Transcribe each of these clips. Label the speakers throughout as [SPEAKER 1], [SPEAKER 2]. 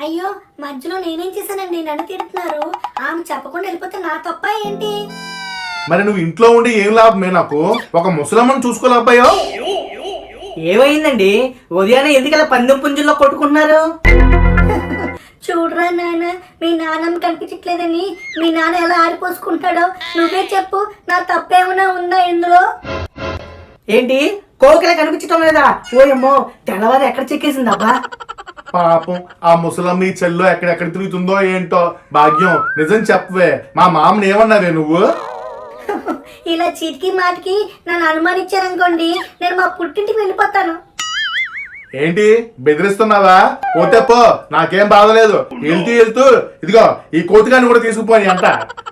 [SPEAKER 1] అయ్యో, మధ్యలో నేనేం చేశానండి? నన్ను తిడుతున్నారు. ఆమె చెప్పకుండా వెళ్ళిపోతే నా తప్ప ఏంటి?
[SPEAKER 2] మరి నువ్వు ఇంట్లో ఉండి ఏం లాభమే? నాకు ఒక ముసలమ్మను చూసుకోలేకపోయా?
[SPEAKER 3] ఏమైందండి? ఉదయాన్నే ఎందుకలా పందెం పుంజుల్లో కొట్టుకుంటున్నారు?
[SPEAKER 1] చూడరా నాన్న, మీ నాన్నమ్మ కనిపించట్లేదని మీ నాన్న ఎలా ఆడిపోసుకుంటాడో నువ్వే చెప్పు. నా తప్పేమైనా ఉందా ఇందులో?
[SPEAKER 3] ఏంటి కోకిల కనిపించటం లేదా? ఓయమ్మో, తెల్లవారు ఎక్కడ చెక్కేసిందబ్బా?
[SPEAKER 2] పాపం ఆ ముసలమ్మ ఈ చెల్లో ఎక్కడెక్కడ తిరుగుతుందో ఏంటో. భాగ్యం, నిజం చెప్పవే, మా మామని ఏమన్నావే నువ్వు?
[SPEAKER 1] ఇలా చీటికి మాటికి నన్ను అనుమానించారనుకోండి, నేను మా పుట్టింటికి వెళ్ళిపోతాను.
[SPEAKER 2] ఏంటి బెదిరిస్తున్నావా? పోతే పో, నాకేం బాధలేదు. వెళ్తూ వెళ్తూ ఇదిగో ఈ కోతిగాన్ని కూడా తీసుకుపోయి అంట.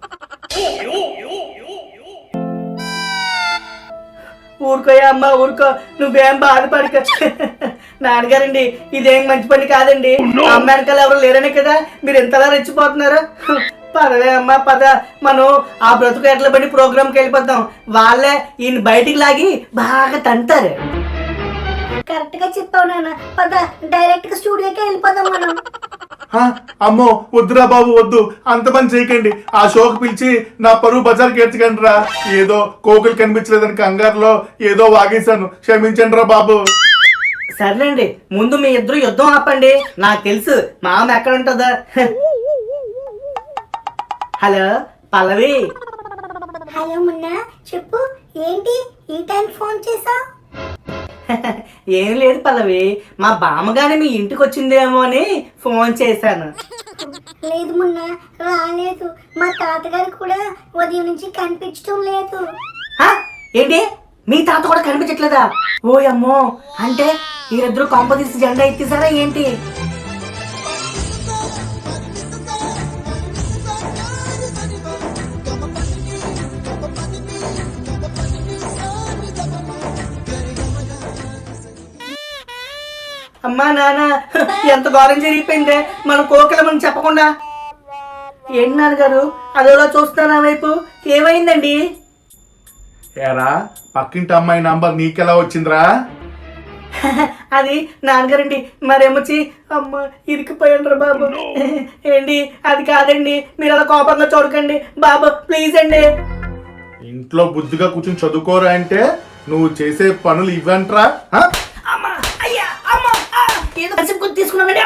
[SPEAKER 3] ఊరుకోయా అమ్మా, ఊరుకో, నువ్వేం బాధపడక. నాన్నగారండి, ఇదేం మంచి పని కాదండి. అమ్మ వెనకాల ఎవరు లేరనే కదా మీరు ఎంతలా రెచ్చిపోతున్నారు. పదవే అమ్మా, పద. మనం ఆ బ్రతుకు ఎట్ల పడి ప్రోగ్రామ్కి వెళ్ళిపోతాం. వాళ్ళే ఈయన బయటికి లాగి బాగా తంటారు.
[SPEAKER 1] కరెక్ట్ గా చెప్పావు నాన్న. పద, డైరెక్ట్ గా స్టూడియోకే వెళ్ళిపోదాం మనం.
[SPEAKER 2] అమ్మో వద్దురా బాబు, వద్దు, అంత పని చేయకండి. ఆ షోకి పిలిచి నా పరువు బజార్కి ఎర్చకండి రా. ఏదో కోకులు కనిపించలేదని కంగారులో ఏదో వాగేశాను, క్షమించండి రా బాబు.
[SPEAKER 3] సర్లేండి, ముందు మీ ఇద్దరు యుద్ధం ఆపండి. నాకు తెలుసు మా అమ్మ ఎక్కడ ఉంటుందా. హలో పల్లవి.
[SPEAKER 1] హలో మున్న, చెప్పు. ఏంటి ఈ టైం ఫోన్ చేసా?
[SPEAKER 3] ఏం లేదు పల్లవి, మా బామ్మగానే మీ ఇంటికి వచ్చిందేమో అని ఫోన్ చేశాను.
[SPEAKER 1] లేదు మున్న, రాలేదు. మా తాతగారు కూడా ఉదయం నుంచి కనిపించడం లేదు.
[SPEAKER 3] ఏంటి, మీ తాత కూడా కనిపించట్లేదా? ఓ అమ్మో, అంటే వీరిద్దరు కొంప తీసి జెండా ఎత్తేసారా ఏంటి? అమ్మా నాన్న, ఎంత ఘోరం జరిగిపోయిందే మన కోకిలమని చెప్పకుండా. ఏంటి నాన్నగారు అదోలా చూస్తున్నా వైపు? ఏమైందండి?
[SPEAKER 2] ఏరా, పక్కింటి అమ్మాయి నంబర్ నీకెలా వచ్చిందిరా?
[SPEAKER 3] అది నాన్నగారండి, మరేమొచ్చి అమ్మ ఇరికిపోయాడు బాబు. ఏంటి అది కాదండి, మీరు అలా కోపంగా చూడకండి బాబు, ప్లీజ్ అండి.
[SPEAKER 2] ఇంట్లో బుద్ధిగా కూర్చొని చదువుకోరా అంటే నువ్వు చేసే పనులు ఇవ్వంట్రా.
[SPEAKER 3] తీసుకున్నానండి.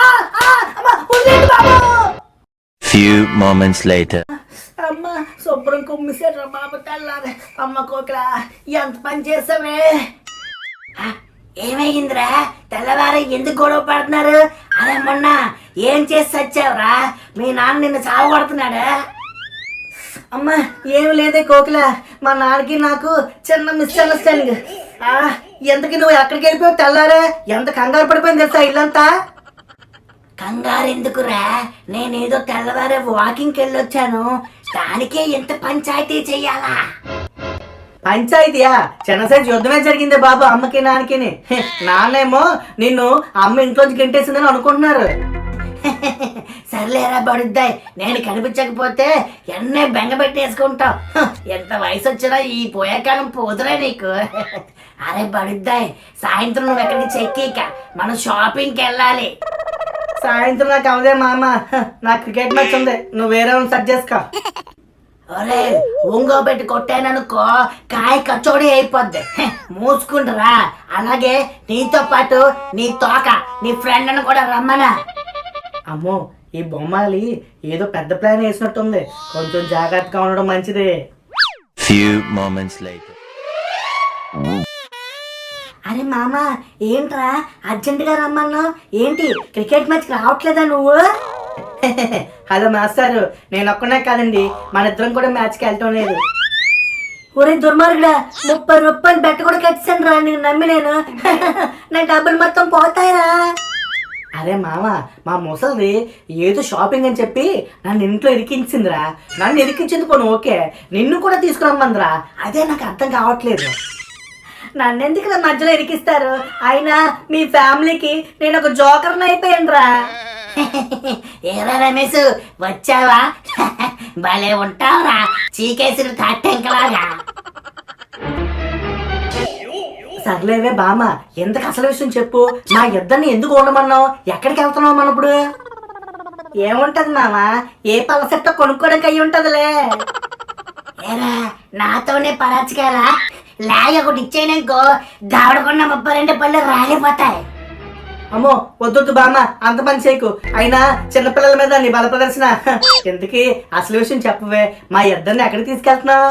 [SPEAKER 4] Few moments later.
[SPEAKER 3] అమ్మ శుభ్రం కుమ్మిసాడు బాబు తెల్లారే. అమ్మ కోకిల, ఎంత పని చేసావే? ఏమైందిరా? తెల్లవారు ఎందుకు గొడవ పడుతున్నారు? అదే మొన్న ఏం చేసి వచ్చావురా? మీ నాన్న నిన్ను చావగొడుతున్నాడా? అమ్మ ఏమి లేదే కోకిల, మా నాన్నకి నాకు చిన్న మిస్అండర్స్టాండింగ్. ఎంతకి నువ్వు ఎక్కడికి వెళ్ళిపోయావు? తెల్లారే ఎంత కంగారు పడిపోయింది తెలుసా ఇల్లంతా. కంగారు ఎందుకురా? నేనేదో తెల్లవారే వాకింగ్కి వెళ్ళొచ్చాను, దానికే ఎంత పంచాయతీ చెయ్యాలా? పంచాయతీయా? చిన్న సైజు యుద్ధమే జరిగింది బాబు అమ్మకి నాన్నకి. నాన్నేమో నిన్ను అమ్మ ఇంట్లోంచి గెంటేసిందని అనుకుంటున్నారు. సర్లేరా బడుద్దాయి, నేను కనిపించకపోతే ఎన్నే బెంగ పెట్టేసుకుంటావు. ఎంత వయసు వచ్చినా ఈ పోయే కాలం పోదురా నీకు. అరే బడుద్దాయి, సాయంత్రం నువ్వు ఎక్కడికి చెక్కిక మనం షాపింగ్కి వెళ్ళాలి. సాయంత్రం నాకు అవదే మామ, నాకు క్రికెట్ మ్యాచ్ ఉంది, నువ్వు వేరే సెట్ చేసుకో. ఒరే ఒంగో పెట్టి కొట్టాననుకో కాయ కచోడి అయిపోద్ది, మూసుకుంటురా. అలాగే నీతో పాటు నీ తోక నీ ఫ్రెండ్ అని కూడా రమ్మనా. అమ్మో, ఈ బొమ్మలి ఏదో పెద్ద ప్లాన్ వేసినట్టుంది, కొంచెం జాగ్రత్తగా ఉండడం మంచిదే.
[SPEAKER 4] Few moments later.
[SPEAKER 1] అరే మామ, ఏంట్రా అర్జెంటుగా రమ్మన్నా? ఏంటి క్రికెట్ మ్యాచ్ రావట్లేదా నువ్వు?
[SPEAKER 3] హలో మాస్టారు, నేను ఒక్కనే కాదండి, మన ఇద్దరం కూడా మ్యాచ్కి వెళ్ళటం లేదు.
[SPEAKER 1] ఒరే దుర్మార్గుడా, 30 రూపాయలు బెట్ట కూడా కట్టాను రా, నేను నమ్మి. నేను నా డబ్బులు మొత్తం పోతాయిరా.
[SPEAKER 3] అరే మామ, మా ముసలిది ఏదో షాపింగ్ అని చెప్పి నన్ను ఇంట్లో ఇరికించిందిరా. నన్ను ఇరికించింది పోను ఓకే, నిన్ను కూడా తీసుకురమ్మందిరా. అదే నాకు అర్థం కావట్లేదు.
[SPEAKER 1] నన్ను ఎందుకు నా మధ్యలో ఇరికిస్తారు? అయినా మీ ఫ్యామిలీకి నేను ఒక జోకర్ని అయిపోయాను రా.
[SPEAKER 5] ఏరా రమేష్, వచ్చావా? భలే ఉంటావురా, చీకేసిన తాటెంకలాగా.
[SPEAKER 1] సర్లేవే బామ్మ, ఎందుకు అసలు విషయం చెప్పు. మా ఇద్దరిని ఎందుకు ఉండమన్నావు? ఎక్కడికి వెళ్తున్నావు మనం ఇప్పుడు? ఏముంటది మామ, ఏ పలసెట్టో కొనుక్కోడానికి అయ్యి ఉంటదిలే.
[SPEAKER 5] ఏరా నాతోనే పరాచకాల లాగ ఒకటి ఇచ్చేయనుకో దావడకుండా 32 పళ్ళు రాలిపోతాయి.
[SPEAKER 1] అమ్మో వద్దొద్దు బామ్మ, అంత పని చేయకు. అయినా చిన్నపిల్లల మీద నీ బల ప్రదర్శన. ఎందుకు అసలు విషయం చెప్పవే, మా ఇద్దరిని ఎక్కడికి తీసుకెళ్తున్నావు?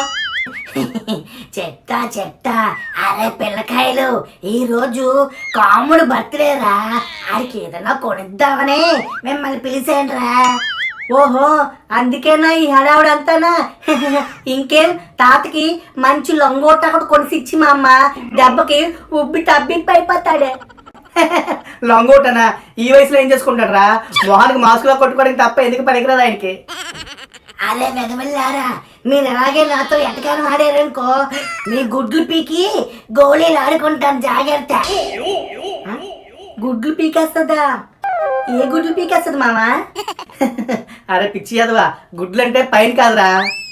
[SPEAKER 5] చెప్తా. అరే పిల్లకాయలు, ఈ రోజు కాముడు బర్త్డేరా, ఆడికి ఏదైనా కొనిద్దామని మిమ్మల్ని పిలిచేయండిరా.
[SPEAKER 1] ఓహో అందుకేనా ఈ హడావుడంతానా? ఇంకేం, తాతకి మంచి లొంగోట కూడా కొనిసి ఇచ్చి మా అమ్మ దెబ్బకి ఉబ్బి తబ్బిప్పి అయిపోతాడే. లొంగోటనా? ఈ వయసులో ఏం చేసుకుంటాడు రా? మొహానికి మాస్కులో కొట్టుకోవడానికి తప్ప ఎందుకు పనికిరాదు ఆయనకి.
[SPEAKER 5] అరే వెదవల్లారా, మీరు ఎలాగే నాతో ఎటకారం ఆడారనుకో మీ గుడ్లు పీకి గోళీలు ఆడుకుంటాను, జాగ్రత్త.
[SPEAKER 1] గుడ్లు పీకేస్తుందా? ఏ గుడ్లు పీకేస్తుంది మామా? అరే పిచ్చి అదవా, గుడ్లు అంటే పైన కాదురా.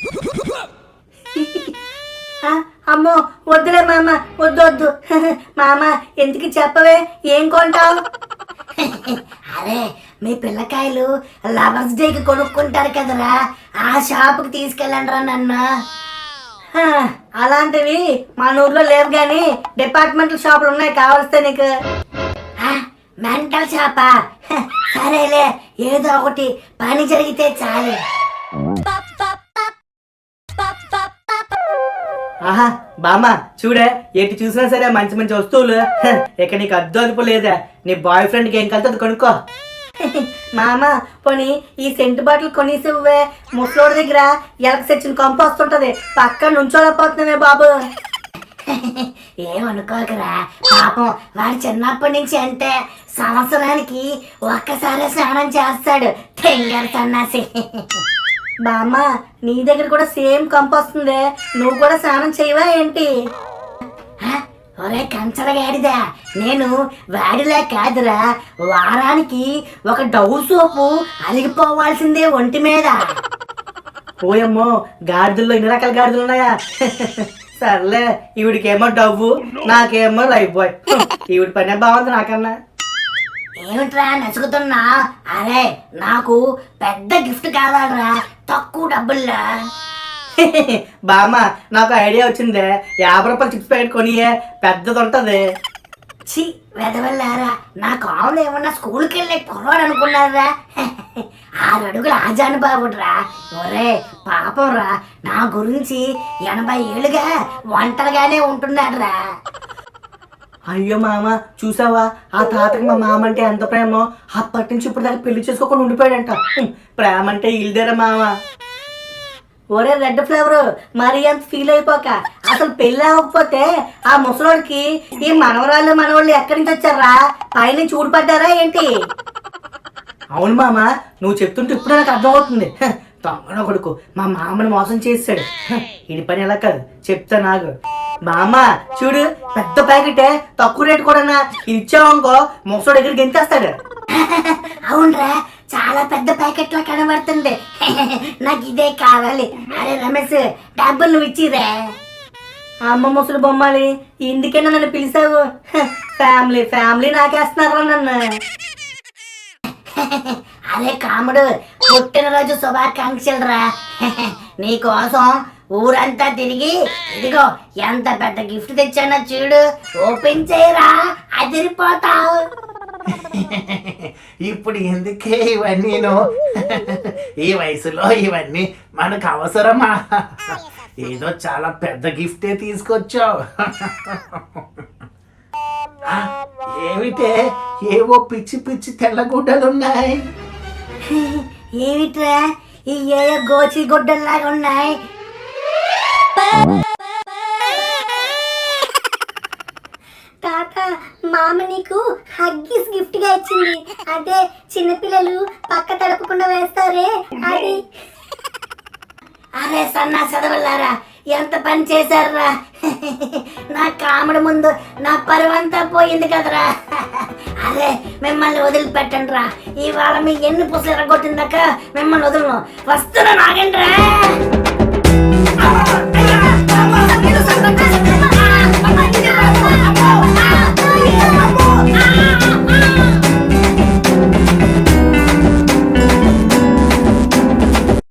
[SPEAKER 1] అమ్మో వద్దులే మామ, వద్దు. మామ ఎందుకు చెప్పవే, ఏం కొంటావు?
[SPEAKER 5] అరే మీ పిల్లకాయలు లవర్స్ డేకి కొనుక్కుంటారు కదరా, ఆ షాపుకి తీసుకెళ్ళండి రా నన్ను.
[SPEAKER 1] అలాంటివి మన ఊర్లో లేవు గాని డిపార్ట్మెంటల్ షాపులు ఉన్నాయి, కావలిస్తే నీకు.
[SPEAKER 5] మెంటల్ షాపా? సరేలే, ఏదో ఒకటి పని జరిగితే చాలు.
[SPEAKER 1] ఆహా బామ్మ చూడే, ఎటు చూసినా సరే మంచి మంచి వస్తువులు. ఇక నీకు అద్దు అదుపు లేదా? నీ బాయ్ ఫ్రెండ్కి ఏం కలితే అది కొనుక్కో. మామ పోనీ ఈ సెంటు బాటిల్ కొనేసివ్వే, ముసలోడి దగ్గర ఎలక సెచ్చిన కంపు వస్తుంటది, పక్క నుంచోలేకపోతున్నావే బాబు.
[SPEAKER 5] ఏమనుకోకరా, పాపం వాడు చిన్నప్పటి నుంచి అంటే సంవత్సరానికి ఒక్కసారి స్నానం చేస్తాడు, తెంగర్ సన్నాసి.
[SPEAKER 1] బామ్మ నీ దగ్గర కూడా సేమ్ కంపు వస్తుంది, నువ్వు కూడా స్నానం చేయవా ఏంటి?
[SPEAKER 5] ఒరే కంచరగాడిదా, నేను వాడిలా కాదురా, వారానికి ఒక డవ్ సోపు అలిగిపోవాల్సిందే ఒంటి మీద.
[SPEAKER 1] ఓయమ్మో, గాడిదల్లో ఇన్ని రకాల గాడిదలు ఉన్నాయా? సర్లే, ఈవిడికేమో డవ్వు, నాకేమో లైఫ్ బాయ్. ఈవిడి పనే బాగుంది నాకన్నా.
[SPEAKER 5] ఏమిట్రా నసుకుతున్నా? అరే నాకు పెద్ద గిఫ్ట్ కావాలరా, తక్కువ డబ్బుల్లా.
[SPEAKER 1] బామ్మ నాకు ఐడియా వచ్చిందే, 50 రూపాయలు చిప్స్ ప్యాకెట్ కొనియే, పెద్దది ఉంటది.
[SPEAKER 5] చి వెదవల్లారా, నా కావులు ఏమన్నా స్కూల్కి వెళ్ళే పొరవాడు అనుకున్నారా? 6 అడుగుల ఆజాను బాబుడ్రా. ఒరే పాపం రా, నా గురించి 80 ఏళ్ళుగా ఒంటరిగానే ఉంటున్నాడురా.
[SPEAKER 1] అయ్యో మామ చూసావా, ఆ తాతకి మా మామ అంటే ఎంత ప్రేమో, అప్పటి నుంచి ఇప్పుడు దాకా పెళ్లి చేసుకోకుండా ఉండిపోయాడంట. ప్రేమ అంటే ఇల్దేరా మామ. ఒరే రెడ్ ఫ్లేవర్, మరీ అంత ఫీల్ అయిపోక, అసలు పెళ్ళి అవ్వకపోతే ఆ ముసలోడికి ఈ మనవరాళ్ళు మనవాళ్ళు ఎక్కడి నుంచి వచ్చారా? పైనుంచి ఊడిపడ్డారా ఏంటి? అవును మామ, నువ్వు చెప్తుంటే ఇప్పుడు నాకు అర్థమవుతుంది. తొంగన కొడుకు మా మామని మోసం చేసాడు. ఇది పని ఎలా కాదు, చెప్తా నాకు. మామ చూడు, పెద్ద ప్యాకెటే, తక్కువ రేటు కూడా. ఇది ఇచ్చావనుకో ముసలోడు దగ్గరికి గెంతేస్తాడు.
[SPEAKER 5] అవునరా, చాలా పెద్ద ప్యాకెట్ లా కనబడుతుంది. నాకు ఇదే కావాలి. అరే రమేష్, డబ్బులు నువ్వు ఇచ్చిరే.
[SPEAKER 1] అమ్మ ముసలి బొమ్మాలి, ఇందుకేనా నన్ను పిలిచావు? ఫ్యామిలీ ఫ్యామిలీ నాకేస్తున్నారు నన్ను.
[SPEAKER 5] అరే కాముడు, పుట్టినరోజు శుభాకాంక్షలు రా. నీకోసం ఊరంతా తిరిగి ఇదిగో ఎంత పెద్ద గిఫ్ట్ తెచ్చానో చూడు, ఓపెన్ చేయరా, అదిరిపోతావు.
[SPEAKER 3] ఇప్పుడు ఎందుకే ఇవన్నీను? ఈ వయసులో ఇవన్నీ మనకు అవసరమా? ఏదో చాలా పెద్ద గిఫ్టే తీసుకొచ్చావు. ఏమిటే, ఏవో పిచ్చి పిచ్చి తెల్లగుడ్డలున్నాయి.
[SPEAKER 5] ఏమిట్రా ఈ ఏయో గోచి గుడ్డల్లాగా ఉన్నాయి?
[SPEAKER 1] తాత, మామ నీకు హగ్గీస్ గిఫ్ట్ గా ఇచ్చింది. అదే చిన్నపిల్లలు పక్క తడపకుండా వేస్తారే అది.
[SPEAKER 5] అరే సన్నా చదవల్లారా, ఎంత పని చేశారా? నా కాముడు ముందు నా పరువంతా పోయింది కదరా. అరే మిమ్మల్ని వదిలిపెట్టండి రా, ఇవాళ మీ ఎన్ని పుసలు ఎరగొట్టిందాక మిమ్మల్ని వదలను. వస్తున్నా నాగండి రా.